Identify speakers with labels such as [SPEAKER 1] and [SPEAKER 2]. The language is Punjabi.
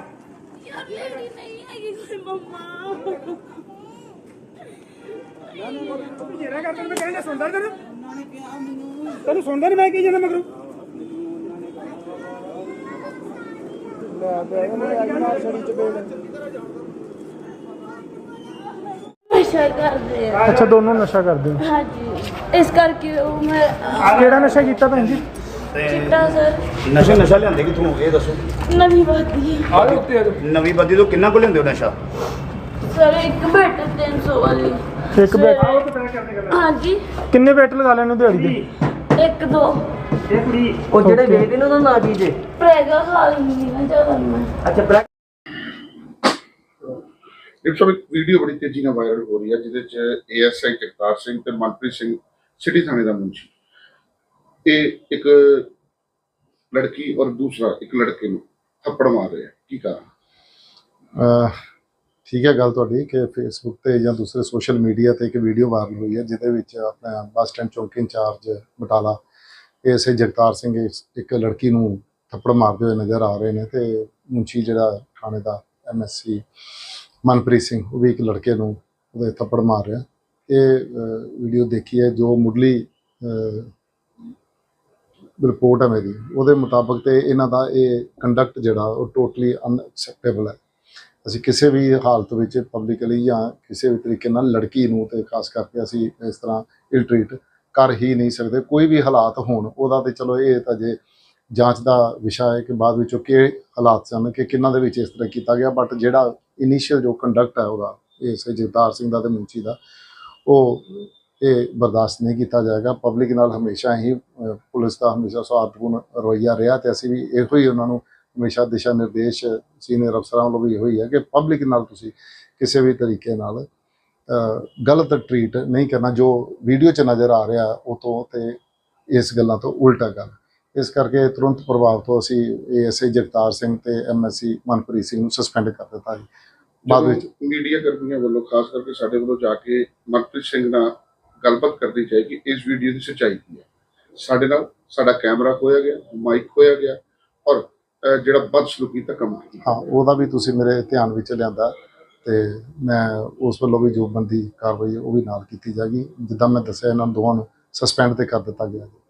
[SPEAKER 1] यार लेडी नहीं आएगी कोई मम्मा
[SPEAKER 2] ਜਿਹੜਾ ਕਰ ਤੈਨੂੰ ਕਹਿੰਦਾ ਸੁਣਦਾ ਤੈਨੂੰ ਤੈਨੂੰ ਸੁਣਦਾ ਨਹੀਂ ਮੈਂ ਕੀ ਜਾਂਦਾ ਮਗਰੋਂ ਲੈ ਬੈਗ ਮੈਂ ਅੱਜ ਨਾਲ ਛੜੀ ਚ ਬੇਲ
[SPEAKER 1] नशा करते हैं
[SPEAKER 2] ਅੱਛਾ ਦੋਨੋਂ ਨਸ਼ਾ ਕਰਦੇ ਹੋ
[SPEAKER 1] हाँ जी इस करके वो मैं
[SPEAKER 2] ਕਿਹੜਾ ਨਸ਼ਾ ਕੀਤਾ ਭੈਣ ਜੀ
[SPEAKER 1] चिट्टा सर
[SPEAKER 3] ਨਸ਼ਾ ਲਿਆਂਦੇ ਕਿੱਥੋਂ ਇਹ ਦੱਸੋ
[SPEAKER 1] नवी बाती
[SPEAKER 2] ਆ ਲੋ ਉੱਤੇ ਆ ਜਾਓ
[SPEAKER 3] ਨਵੀਂ ਬੱਦੀ ਤੋਂ ਕਿੰਨਾ ਕੋ ਲਿਆਂਦੇ ਹੋ ਨਸ਼ਾ
[SPEAKER 1] सर एक बेट 300 वाली
[SPEAKER 2] ਇੱਕ ਬੈਟ
[SPEAKER 1] हाँ जी
[SPEAKER 2] ਕਿੰਨੇ ਬੈਟ ਲਗਾ ਲੈਣੇ ਦਿਹਾੜੀ ਦੇ
[SPEAKER 1] एक दो
[SPEAKER 4] ਉਹ ਜਿਹੜੇ ਵੇਚਦੇ ਨੇ ਉਹਦਾ ਨਾਂ ਕੀ ਜੇ
[SPEAKER 1] प्रेगा खा लेंगी ना ज्यादा मैं
[SPEAKER 4] ਅੱਛਾ
[SPEAKER 5] ਇਸ ਸਮੇਂ ਵੀਡੀਓ ਬੜੀ ਤੇਜ਼ੀ ਨਾਲ ਵਾਇਰਲ ਹੋ ਰਹੀ ਹੈ ਜਿਹਦੇ ਚ ਏਐਸਆਈ ਜਗਤਾਰ ਸਿੰਘ ਤੇ ਮਨਪ੍ਰੀਤ ਸਿੰਘ ਸਿਟੀ ਥਾਣੇ ਦਾ ਮੁਨਸ਼ੀ ਇਹ ਇੱਕ ਲੜਕੀ ਔਰ ਦੂਸਰਾ ਇੱਕ ਲੜਕੇ ਨੂੰ ਥੱਪੜ ਮਾਰ ਰਿਹਾ ਕੀ ਕਾਰਨ
[SPEAKER 6] ਠੀਕ ਹੈ ਗੱਲ ਤੁਹਾਡੀ ਕਿ ਫੇਸਬੁੱਕ ਤੇ ਜਾਂ ਦੂਸਰੇ ਸੋਸ਼ਲ ਮੀਡੀਆ ਤੇ ਇੱਕ ਵੀਡੀਓ ਵਾਇਰਲ ਹੋਈ ਹੈ ਜਿਹਦੇ ਵਿੱਚ ਆਪਣਾ ਬੱਸ ਸਟੈਂਡ ਚੌਂਕੀ ਇੰਚਾਰਜ ਬਟਾਲਾ ਏਐਸਆਈ ਜਗਤਾਰ ਸਿੰਘ ਇੱਕ ਲੜਕੀ ਨੂੰ ਥੱਪੜ ਮਾਰਦੇ ਹੋਏ ਨਜ਼ਰ ਆ ਰਹੇ ਨੇ ਤੇ ਮੁਨਸ਼ੀ ਜਿਹੜਾ ਥਾਣੇ ਦਾ ਐਮਐਸਸੀ ਮਨਪ੍ਰੀਤ ਸਿੰਘ ਉਹ ਵੀ ਇੱਕ ਲੜਕੇ ਨੂੰ ਉਹਦੇ ਥੱਪੜ ਮਾਰ ਰਿਹਾ ਇਹ ਵੀਡੀਓ ਦੇਖੀ ਹੈ ਜੋ ਮੁੱਢਲੀ ਰਿਪੋਰਟ ਹੈ ਮੇਰੀ ਉਹਦੇ ਮੁਤਾਬਕ ਤੇ ਇਹਨਾਂ ਦਾ ਇਹ ਕੰਡਕਟ ਜਿਹੜਾ ਉਹ ਟੋਟਲੀ ਅਨਐਕਸੈਪਟੇਬਲ ਹੈ ਅਸੀਂ ਕਿਸੇ ਵੀ ਹਾਲਤ ਵਿੱਚ ਪਬਲਿਕਲੀ ਜਾਂ ਕਿਸੇ ਵੀ ਤਰੀਕੇ ਨਾਲ ਲੜਕੀ ਨੂੰ ਤੇ ਖਾਸ ਕਰਕੇ ਅਸੀਂ ਇਸ ਤਰ੍ਹਾਂ ਇਲ ਟ੍ਰੀਟ ਕਰ ਹੀ ਨਹੀਂ ਸਕਦੇ ਕੋਈ ਵੀ ਹਾਲਾਤ ਹੋਣ ਉਹਦਾ ਤੇ ਚਲੋ ਇਹ ਤਾਂ ਜੇ ਜਾਂਚ ਦਾ ਵਿਸ਼ਾ ਹੈ ਕਿ ਬਾਅਦ ਵਿੱਚੋਂ ਕਿ ਹਾਲਾਤ ਸਨ ਕਿ ਕਿੰਨਾਂ ਦੇ ਵਿੱਚ ਇਸ ਤਰ੍ਹਾਂ ਕੀਤਾ ਗਿਆ ਬਟ ਜਿਹੜਾ ਇਨੀਸ਼ੀਅਲ ਜੋ ਕੰਡਕਟ ਹੈ ਉਹਦਾ ਇਸ ਜਗਤਾਰ ਸਿੰਘ ਦਾ ਤੇ ਮੁਨਸ਼ੀ ਦਾ ਉਹ ਇਹ ਬਰਦਾਸ਼ਤ ਨਹੀਂ ਕੀਤਾ ਜਾਏਗਾ ਪਬਲਿਕ ਨਾਲ ਹਮੇਸ਼ਾ ਹੀ ਪੁਲਿਸ ਦਾ ਹਮੇਸ਼ਾ ਸੌਹਾਰਦਪੂਰਨ ਰਵੱਈਆ ਰਿਹਾ ਤੇ ਅਸੀਂ ਵੀ ਇਹੋ ਹੀ ਉਹਨਾਂ ਨੂੰ ਹਮੇਸ਼ਾ ਦਿਸ਼ਾ ਨਿਰਦੇਸ਼ ਸੀਨੀਅਰ ਅਫਸਰਾਂ ਵੱਲੋਂ ਵੀ ਇਹੋ ਹੀ ਹੈ ਕਿ ਪਬਲਿਕ ਨਾਲ ਤੁਸੀਂ ਕਿਸੇ ਵੀ ਤਰੀਕੇ ਨਾਲ ਗਲਤ ਟਰੀਟ ਨਹੀਂ ਕਰਨਾ ਜੋ ਵੀਡੀਓ 'ਚ ਨਜ਼ਰ ਆ ਰਿਹਾ ਉਹ ਤੋਂ ਤੇ ਇਸ ਗੱਲਾਂ ਤੋਂ ਉਲਟਾ ਗੱਲ ਇਸ ਕਰਕੇ ਤੁਰੰਤ ਪ੍ਰਭਾਵ ਤੋਂ ਅਸੀਂ ਏਐਸਆਈ ਜਗਤਾਰ ਸਿੰਘ ਤੇ ਐਮਐਸਸੀ ਮਨਪ੍ਰੀਤ ਸਿੰਘ ਨੂੰ ਸਸਪੈਂਡ ਕਰ ਦਿੱਤਾ ਜੀ ਬਾਅਦ ਵਿੱਚ
[SPEAKER 5] ਮੀਡੀਆ ਕਰਮੀਆਂ ਵੱਲੋਂ ਖਾਸ ਕਰਕੇ ਸਾਡੇ ਵੱਲੋਂ ਜਾ ਕੇ ਮਨਪ੍ਰੀਤ ਸਿੰਘ ਨਾਲ ਗੱਲਬਾਤ ਕਰਨੀ ਚਾਹੀਦੀ ਇਸ ਵੀਡੀਓ ਦੀ ਸੱਚਾਈ ਕੀ ਹੈ ਸਾਡੇ ਨਾਲ ਸਾਡਾ ਕੈਮਰਾ ਖੋਇਆ ਗਿਆ ਮਾਈਕ ਖੋਇਆ ਗਿਆ ਔਰ ਜਿਹੜਾ ਬਦਸਲੂਕੀ ਦਾ ਕੰਮ
[SPEAKER 6] ਹਾਂ ਉਹਦਾ ਵੀ ਤੁਸੀਂ ਮੇਰੇ ਧਿਆਨ ਵਿੱਚ ਲਿਆਂਦਾ ਤੇ ਮੈਂ ਉਸ ਵੱਲੋਂ ਵੀ ਜੋ ਬੰਦੀ ਕਾਰਵਾਈ ਉਹ ਵੀ ਨਾਲ ਕੀਤੀ ਜਾਏਗੀ ਜਿੱਦਾਂ ਮੈਂ ਦੱਸਿਆ ਇਹਨਾਂ ਦੋਵਾਂ ਨੂੰ ਸਸਪੈਂਡ ਤੇ ਕਰ ਦਿੱਤਾ ਗਿਆ